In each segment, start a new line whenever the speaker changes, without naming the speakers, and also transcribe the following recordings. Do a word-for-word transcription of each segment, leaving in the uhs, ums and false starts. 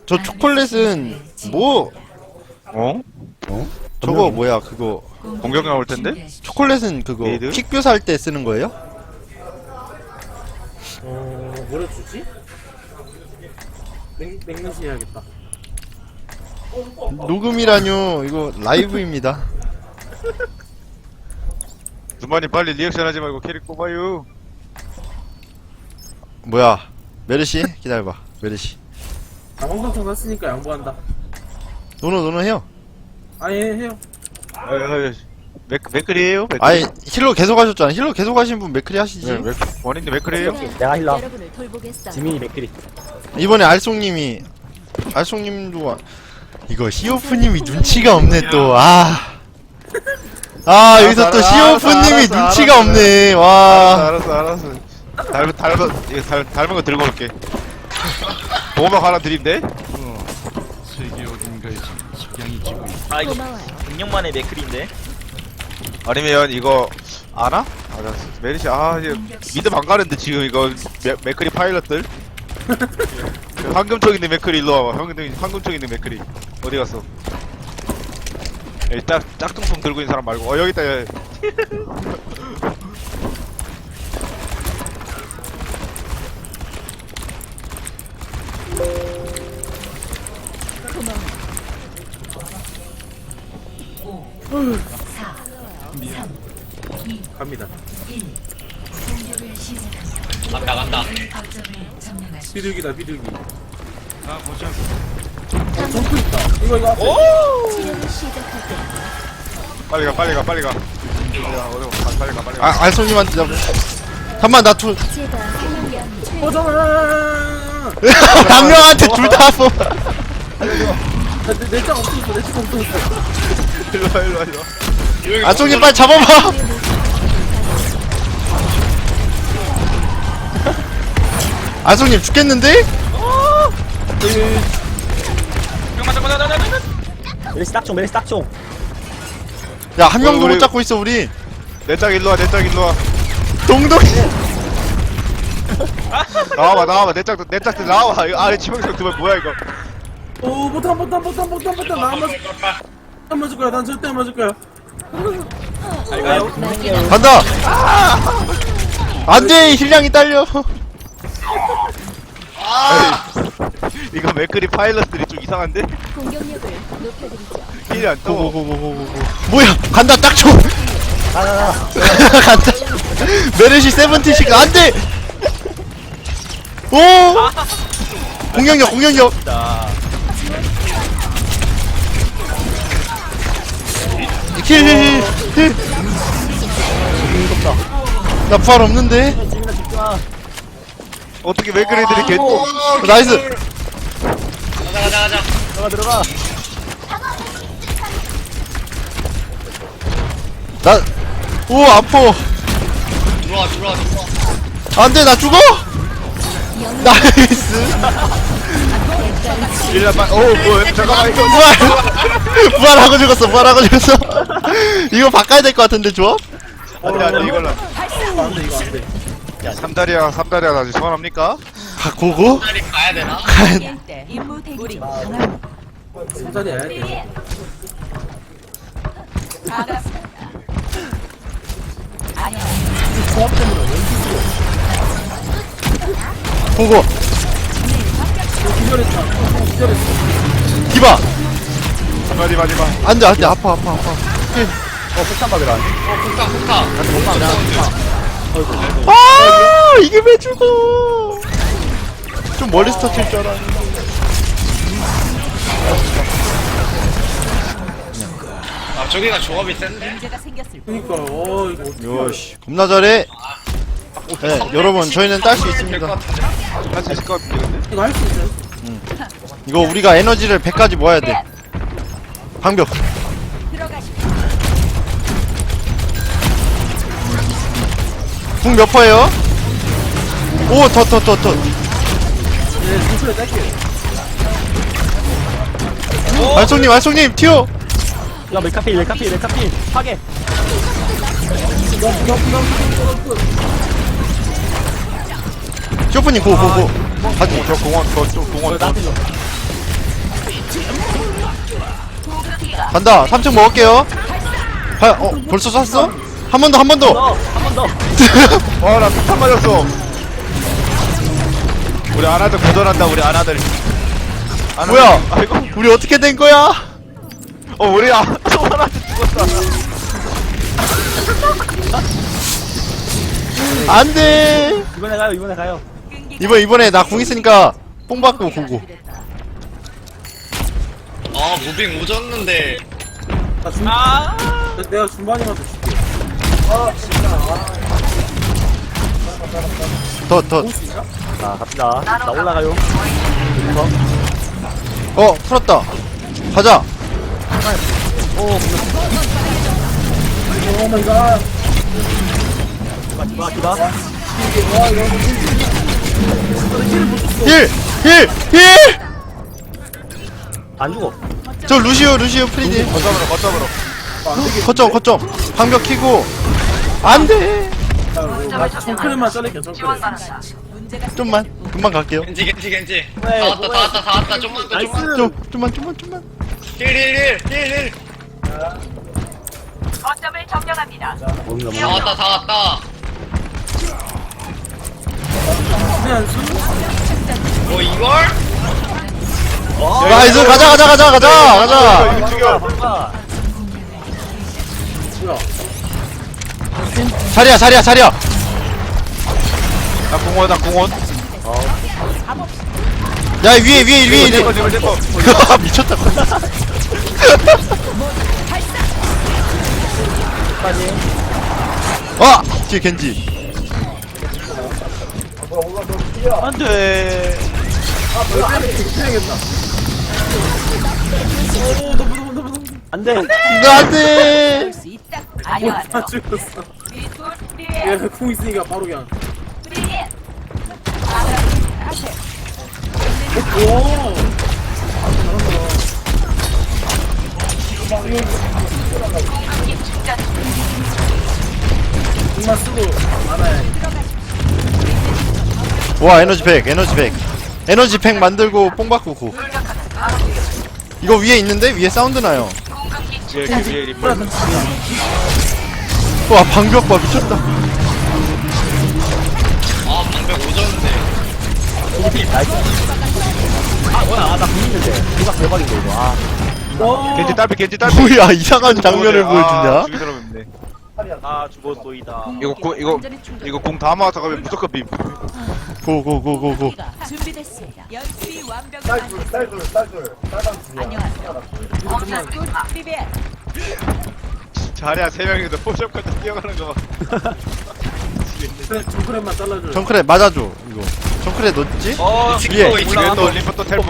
저 초콜릿은 뭐
어?
어?
저거 뭐야 그거
공격 나올 텐데?
초콜릿은 그거
메이드?
픽뷰 살 때 쓰는 거예요?
어... 뭐를 주지? 맥, 맥면시 해야겠다.
녹음이라뇨 이거 라이브입니다.
누마님 빨리 리액션 하지 말고 캐릭 뽑아요.
뭐야 메르시 기다려봐 메르시
아, 황금통 샀으니까 양보한다.
노노 노노 해요.
아예 해요.
아유, 아유, 맥, 맥클이에요? 맥클.
아니 힐러 계속 하셨잖아. 힐러 계속 하신 분 맥크리 하시지.
네, 맥, 원인데 맥클이에요?
내가 힐러.
여러분을 돌보겠어요.
지민이 맥크리.
이번에 알송님이 알송님도 와- 이거 시오프님이 눈치가 없네 또. 아. 아 여기서 또
알았어,
시오프님이
알았어,
눈치가
알았어.
없네.
알았어,
와.
알았어, 알았어. 닮은, 닮은, 이거 닮, 닮은 거 들고 올게. 보호막 하나 드린대?
아 이거
고마워요.
백 년 만에 맥클인데.
아니면 이거, 아나? 아, 나, 메리시, 아, 이제, 믿음 안 가는데, 지금 이거, 맥, 맥클이 파일럿들? 그 황금총 있는 맥클이 일로 와봐. 황금, 황금총 있는 맥클이. 어디 갔어? 여기 짝, 짝퉁통 들고 있는 사람 말고. 어, 여기 있다, 여기.
갑니다.
간다 간다.
비둘기다 비둘기. 아 보자. 어, 점프 있다. 이거 이거 앞에.
치료를 시작할 때
빨리 가, 빨리 가, 빨리 가. 빨리 가, 어디 가, 빨리 가, 빨리 가.
아 알송님한테 잡. 잠만 나 투.
제가 생명력 최
어 잠깐만.
한 명한테 둘 다 뽑.
내내장 없어졌어. 내장 없어졌어.
일로 와, 일로 와, 일로 와.
알송님 빨리 잡아봐. 알송님 죽겠는데?
메리시 딱총, 메리시 딱총.
야 한 명도
우리-
못 잡고 있어 우리.
내 짝 일로 와, 내 짝 일로 와.
동동이.
나와봐, 나와봐, 내 짝도, 내 짝도 나와봐. 이거 아래 치명성 두번 뭐야, 이거.
오 못한 못한 못한 못한 못한 나안 맞을 안 맞을 거야. 난 절대 안 맞을 거야.
간다. 안돼 힐량이 딸려.
이거 맥크리 파일럿들이 좀 이상한데?
공격력을 높여드리죠.
힐이 안 떠.
고고고고고고. 뭐야 간다 딱 쳐.
나나나.
간다. 메르시 세븐티식 안돼. 오. 공격력 공격력. 힐힐힐 힐. 나 부활 없는데.
지민아 집중아.
어떻게 맥크리들이 개,
어, 나이스.
가자 가자 가자.
들어가 들어가.
나. 오 아파.
들어와 들어와 들어와.
안돼 나 죽어. 나이스.
일라 빨, 오, 뭐야, 잠깐만, 이거.
부활. 부활하고 죽었어. 부활하고 죽었어. 이거 바꿔야 될 것 같은데 조합?
안 돼, 안 돼, 이걸로.
안돼 이거 안돼.
삼다리야, 삼다리야, 나 지금 소원합니까?
아 고고?
빨리 가야 되나?
임무 대기 중.
삼자리 해야 돼.
고고.
기절했다. 기절했어.
디바.
마지, 마지, 마.
안돼 안돼 아파 아파 아파.
어 폭탄 받으라.
어 폭탄 폭탄.
아 이게 왜 죽어? 좀 멀리서 터질 줄 알았는데.
아 저기가 조합이 센데.
문제가 생겼을
그니까 어 이거 어떡해.
요시 겁나 잘해. 네 여러분 저희는 딸 수 있습니다.
할 수 있을 것 같은데, 근데?
이거 할 수 있어요?
이거 우리가 에너지를 백까지 모아야 돼. 방벽.
들어가시오.
궁 몇 퍼예요? 오 더 더 더 더.
네, 구슬에 딸게.
알송님 알송님 튀어.
야 메카필 메카필 메카필 파괴.
쇼프님 고고고. 가지.
저 공원, 저, 저 공원, 저.
나한테 줘.
간다. 삼 층 먹을게요. 아, 어 벌써 쐈어? 한 번 더, 한 번 더.
한 번 더.
와나 폭탄 맞았어. 우리 아나들 고전한다 우리 아나들. 아나들.
뭐야?
아이고.
우리 어떻게 된 거야?
어 우리 아 소만한테 죽었다.
안 돼.
이번에 가요, 이번에 가요.
이번 이번에 나 궁 있으니까 뽕 받고 고고.
아 무빙 오졌는데
나 중, 나, 내가 중반이만 더 줄게. 아, 진짜. 아,
더 더.
볼수 있나?
자, 갑시다. 나 올라가요.
어 풀었다. 가자.
오,
오 마이 갓.
기바, 기바, 기바.
와, 이거
힐! 힐! 힐!
안 죽어.
저 루시오 루시오 프리디.
거점으로 거점으로.
거점 거점. 방벽 키고. 안 돼.
나 정크레만 자를게, 정크레.
좀만. 금방 갈게요.
겐지 겐지 겐지
네,
다 왔다 다 왔다 다 왔다 좀만 더 좀만
나이스.
좀 좀만 좀만 좀만.
힐힐힐힐힐
거점을 점령합니다.
뭔가,
다
뭔가.
왔다 다 왔다
그냥 수?
뭐 이걸?
나이스 가자 가자 가자 가자 가자.
이거 죽여.
뭔가.
뭐야?
자리야 자리야 자리야.
나 공원 나 공원.
야 위에 위에 위에
내거
위에.
내거 내거.
미쳤다.
까지.
아 뒤에 겐지.
안돼.
해야겠다. 오, 너무, 너무, 너무, 너무.
안 돼.
이거 안돼.
수 있다.
다
안녕하세요.
죽였어.
리톨 프리에
얘, 궁 있으니까 바로 그냥.
프리에.
오! 궁만 쓰고 말아야 해.
와 에너지 팩 에너지 팩 에너지 팩 만들고 뽕 받고 고. 이거 위에 있는데 위에 사운드 나요.
위에 위에 리퍼.
와 방벽 봐 미쳤다.
아 방벽 오졌는데
나이스. 아, 뭐야. 아, 나 보이는데. 이거 대박인데, 이거. 아.
오!
겐지 딸피 겐지 딸피.
뭐야 이상한 장면을
아,
보여주냐?
죽이 사람인데.
아, 죽었소이다.
이거 공 이거 이거 공 다 맞아 가면 무조건 빔.
고고고고고.
준비됐습니다. 연습이 완벽한 쌀돌 쌀돌 쌀돌 안녕하세요. 리톨 프리에
자리야 세 명이서 포샵까지 뛰어가는 거.
그래, 정크레만 잘라줘.
정크레 맞아줘 이거. 정크레 넣었지?
어
위에.
위에 또 리퍼 또 텔포.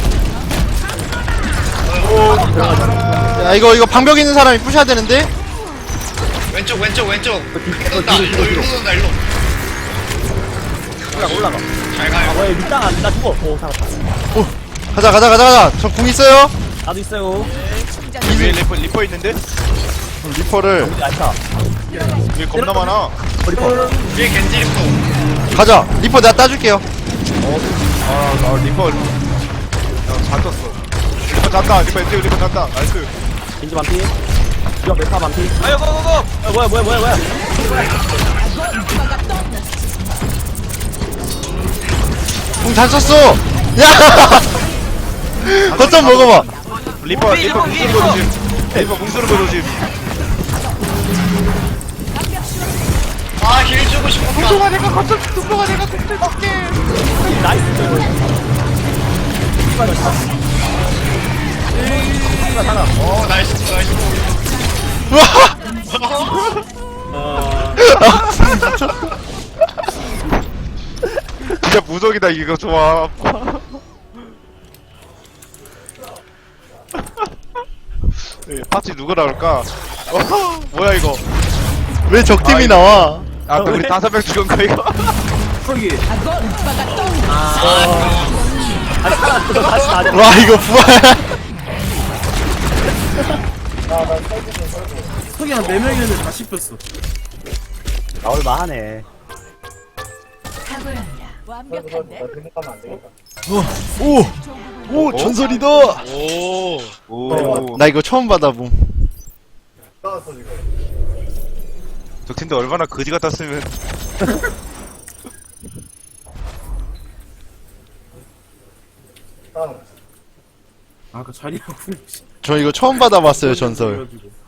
야 이거 이거 방벽 있는 사람이 부셔야 되는데.
왼쪽 왼쪽 왼쪽 돈다 일로 일로 돈다 일로
올라가, 올라가.
잘
아,
가요
뭐야, 밑장 안, 나 죽어. 오, 살았다.
오 가자 가자 가자 가자. 저 궁 있어요?
나도 있어요.
위에 리퍼 리퍼 있는데
리퍼를
얇다.
위에 겁나 많아.
리퍼.
위에 겐지 리퍼
가자. 리퍼 내가 따줄게요.
아, 나 리퍼. 야잘 떴어. 리퍼 잔다. 리퍼 엔지 리퍼 잔다. 나이스.
겐지 반피. 이거 메카 반피. 아유, 고고고! 아, 뭐야, 뭐야, 뭐야, 뭐야.
궁 잘 썼어. 야. 거점 먹어봐.
리퍼 리퍼 궁수는 거 조심. 리퍼 궁수는 거 조심.
아힐 주고 싶었다
내가 거점 궁수가 내가 궁수 줄게.
나이스. 하나.
어 나이스 나이스
와.
아,
진짜 무적이다 이거 좋아. 예, 파티 누가 나올까? 어, 뭐야 이거?
왜 적팀이
아, 이거-
나와?
아, 그 우리 다섯 명 죽은 거 이거?
거기.
아니, 하나, 또 다시 나대.
와 이거 부활.
거기 한 네 명이었는데 다 씹혔어.
나올만 하네.
탁월합니다. 완벽한데?
오! 오! 전설이다!
오.
오.
나 이거 처음 받아봄.
저 팀들 얼마나 거지 같았으면.
아그 자리하고
저 이거 처음 받아봤어요, 전설.
그래가지고.